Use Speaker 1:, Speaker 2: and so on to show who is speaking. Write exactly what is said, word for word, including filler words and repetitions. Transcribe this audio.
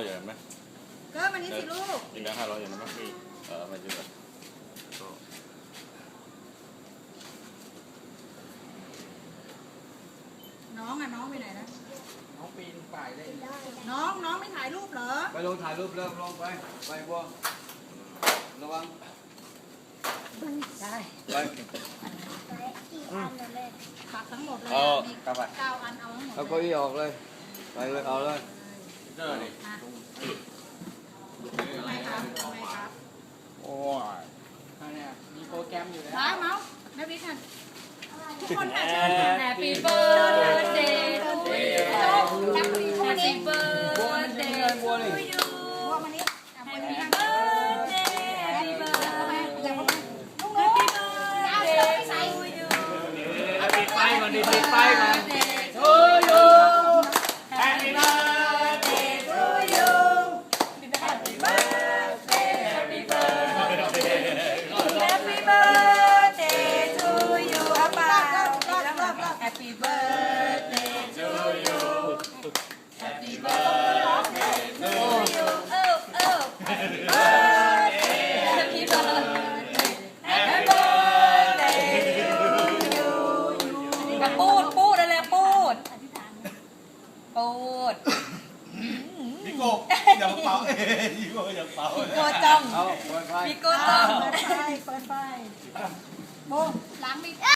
Speaker 1: อยอย่างนั้นไหม
Speaker 2: ก็มันนี่สิลูก
Speaker 1: ยิงแบงค์ห้าร้อยอย่างนั้นไหมเออมายืนกันก็
Speaker 2: น้องอ่ะน้องไปไหนนะ
Speaker 3: น้องปีนป่ายได้
Speaker 2: น้องน้องไม่ถ่ายรูปเหรอ
Speaker 3: ไปลงถ่ายรูปเริ่มลงไปไปบัวระวัง
Speaker 2: ได้
Speaker 3: ไป
Speaker 2: ปักทั้งหมดเลย
Speaker 1: เอา
Speaker 2: มี
Speaker 3: กลับไป
Speaker 2: เก้าอันเอาทั้งหมด
Speaker 3: เอาเก้าอี้ออกเลยไปเลยเอาเลย
Speaker 1: เจอนี่
Speaker 2: อ่ะทำไมครับทำไมครับ
Speaker 1: โอ้ย
Speaker 3: เนี่ยมีโปรแกรมอยู่แล้ว
Speaker 2: ร้ายเมาส์นักวิทย์ค่ะทุกคนค่ะ
Speaker 4: Happy birthday to you
Speaker 2: แฮปปี้
Speaker 4: Happy birthday to you
Speaker 2: บัวมานี่
Speaker 4: Happy birthday Happy birthday
Speaker 2: อย่าเข้ามาลูก
Speaker 4: Happy
Speaker 2: น้อง
Speaker 4: birthday to you
Speaker 3: ปิดไฟก่อนดิปิดไฟก่อน
Speaker 4: to you Happy birthday to you Happy birthday Happy birthday Happy birthday to you เอาเปล่าร
Speaker 2: อบรอบรอบ
Speaker 4: Happy birthday to you Happy birthday to you เออเออ Happy birthday Happy birthday Happy birthday to you มาปูดปูดอะไรปูดปูด
Speaker 1: พี่โก้อย่าเป่าเอ้ยพี่โก้อย่าเป่า
Speaker 4: โกจ้อง
Speaker 3: เอาเปิดไฟ
Speaker 4: มีโกจ้อง
Speaker 2: เปิดไฟเปิดไฟโบล้างมี